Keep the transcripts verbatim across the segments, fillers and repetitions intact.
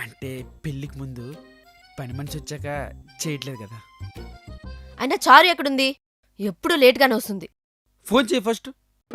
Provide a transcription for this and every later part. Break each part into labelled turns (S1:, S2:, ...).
S1: అంటే పెళ్ళికి ముందు పని మనిషి వచ్చాక చేయట్లేదు కదా.
S2: అయినా చారు ఎక్కడుంది? ఎప్పుడు లేట్గానే వస్తుంది.
S1: ఫోన్ చేయి ఫస్ట్.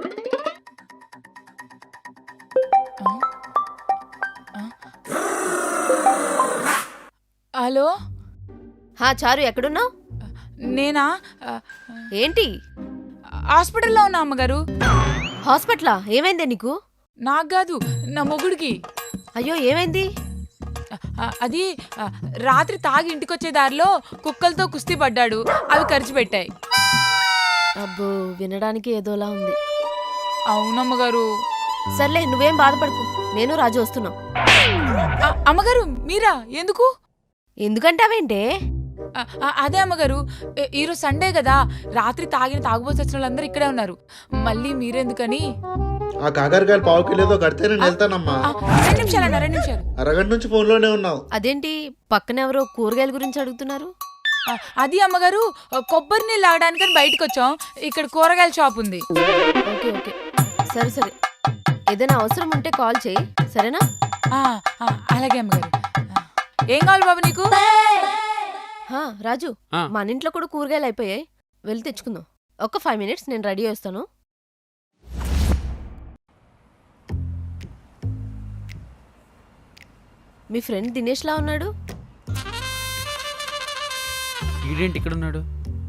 S3: హలో.
S2: హా చారు ఎక్కడున్నావు?
S3: నేనా?
S2: ఏంటి
S3: హాస్పిటల్లో ఉన్నా అమ్మగారు.
S2: హాస్పిటలా? ఏమైందే నీకు?
S3: నాకు కాదు, నా మొగుడికి.
S2: అయ్యో ఏమైంది?
S3: అది రాత్రి తాగి ఇంటికొచ్చే దారిలో కుక్కలతో కుస్తీ పడ్డాడు, అవి ఖర్చు పెట్టాయి.
S2: అబ్బో వినడానికి ఏదోలా ఉంది.
S3: అవునమ్మగారు.
S2: సర్లే నువ్వేం బాధపడకు, నేను రాజు వస్తున్నాం.
S3: అమ్మగారు మీరా? ఎందుకు?
S2: ఎందుకంటావేంటే?
S3: అదే అమ్మగారు, ఈరోజు సండే కదా, రాత్రి తాగిన తాగుబోతు వచ్చిన వాళ్ళందరూ ఇక్కడే ఉన్నారు, మళ్ళీ మీరెందుకని.
S4: ఆ కాకరకాయలు పావు కిలోతో కడితే నేను వెళ్తానమ్మా.
S3: రెండు నిమిషాలు అన్న రెండు నిమిషాలు.
S4: అరగంట నుంచి ఫోన్ లోనే ఉన్నావు.
S2: అదేంటి పక్కన ఎవరో కూరగాయల గురించి అడుగుతున్నారు?
S3: అది అమ్మగారు, కొబ్బరి నీళ్ళు తాగడానికని బయటకు వచ్చాం, ఇక్కడ కూరగాయల షాప్ ఉంది.
S2: ఓకే ఓకే సరే సరే, ఏదైనా అవసరం ఉంటే కాల్ చేయి, సరేనా?
S3: అలాగే అమ్మగారు. ఏం కావాలి బాబు నీకు?
S2: హా రాజు, మన ఇంట్లో కూడా కూరగాయలు అయిపోయాయి, వెళ్ళి తెచ్చుకుందాం. ఒక ఫైవ్ మినిట్స్, నేను రెడీ చేస్తాను. మీ ఫ్రెండ్ దినేష్ లా ఉన్నాడు.
S1: ఈడేంటి ఇక్కడ ఉన్నాడు?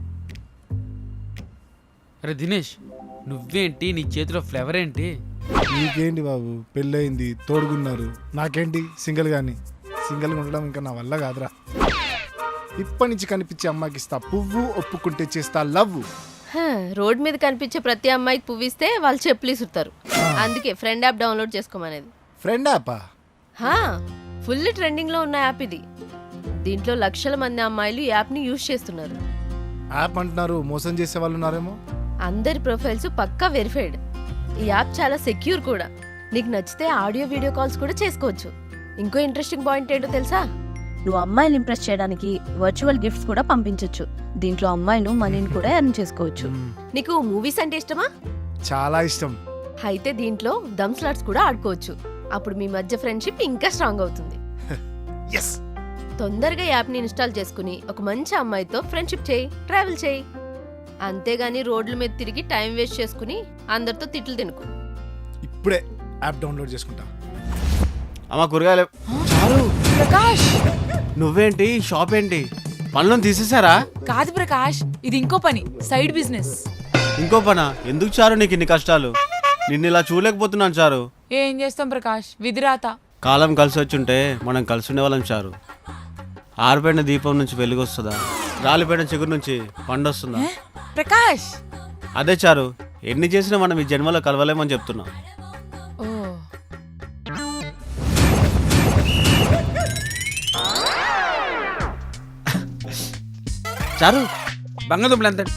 S1: అరే దినేష్, నువ్వేంటి? నీ చేతిలో ఫ్లేవర్ ఏంటి?
S5: నీకేంటి బాబు, పెళ్ళయింది, తోడుగున్నారు. నాకేంటి సింగిల్ గాని. సింగిల్గా ఉండడం ఇంకా నా వల్ల కాదురా. ఇప్పటి నుంచి కనిపించే అమ్మాయికి ఇస్తా పువ్వు, ఒప్పుకుంటే చేస్తా లవ్.
S2: రోడ్ మీద కనిపించే ప్రతి అమ్మాయికి పువ్విస్తే వాళ్ళు చెప్పులు ఇసురుతారు. అందుకే ఫ్రెండ్ యాప్ డౌన్లోడ్ చేసుకోమనేది.
S5: ఫ్రెండ్ యాపా?
S2: ఫుల్ ట్రెండింగ్ లో ఉన్న యాప్ ఇది. దీంట్లో లక్షల మంది అమ్మాయిలు ఈ యాప్ ని యూజ్ చేస్తున్నారు.
S5: యాప్ అంటున్నారు, మోసం చేసే వాళ్ళు ఉన్నారేమో.
S2: అందరి ప్రొఫైల్స్ పక్కా వెరిఫైడ్. ఈ యాప్ చాలా సెక్యూర్ కూడా. నీకు నచ్చితే ఆడియో వీడియో కాల్స్ కూడా చేసుకోవచ్చు. ఇంకో ఇంట్రెస్టింగ్ పాయింట్ ఏంటో తెలుసా?
S6: నువ్వు అమ్మాయిని ఇంప్రెస్ చేయడానికి వర్చువల్ గిఫ్ట్స్ కూడా పంపించవచ్చు. దీంట్లో అమ్మాయిలు మనీని కూడా ఎర్న్ చేసుకోవచ్చు.
S2: నీకు మూవీస్ అంటే ఇష్టమా?
S5: చాలా ఇష్టం.
S2: అయితే దీంట్లో దమ్ స్లాట్స్ కూడా ఆడుకోవచ్చు. అప్పుడు మీ మధ్య ఫ్రెండ్షిప్ ఇంకా స్ట్రాంగ్ అవుతుంది. తొందరగా యాప్ ని ఇన్స్టాల్ చేసుకుని ఒక మంచి అమ్మాయితో ఫ్రెండ్షిప్ చేయి, ట్రావెల్ చేయి. అంతేగాని రోడ్ల మీద తిరిగి టైం వేస్ట్ చేసుకుని అందరితో తిట్లు తినుకు.
S5: ఇప్పుడే యాప్ డౌన్లోడ్ చేసుకుంటా.
S7: అమ్మా కూరగాయలు.
S3: ప్రకాష్,
S7: నువ్వేంటి షాప్ ఏంటి? పనులను తీసేసారా?
S3: కాదు ప్రకాష్, ఇది ఇంకో పని, సైడ్ బిజినెస్.
S7: ఇంకో పనా? ఎందుకు చారు నీకు ఇన్ని కష్టాలు? నిన్ను ఇలా చూడలేకపోతున్నాను చారు.
S3: ఏం చేస్తాం ప్రకాష్, విధిరాత.
S7: కాలం కలిసి వచ్చుంటే మనం కలిసి ఉండేవాళ్ళం చారు. ఆరిపోయిన దీపం నుంచి వెలుగొస్తుందా? రాలిపోయిన చిగురు నుంచి పండొస్తుందా?
S3: ప్రకాష్,
S7: అదే చారు, ఎన్ని చేసినా మనం ఈ జన్మలో కలవలేమని చెప్తున్నా.
S3: ఓ
S7: చారు
S1: బంగాదుంపలు ఎంత?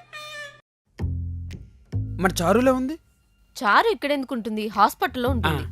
S1: మరి చారులో ఉంది.
S2: చారు ఇక్కడ ఎందుకుంటుంది? హాస్పిటల్లో ఉంటుంది.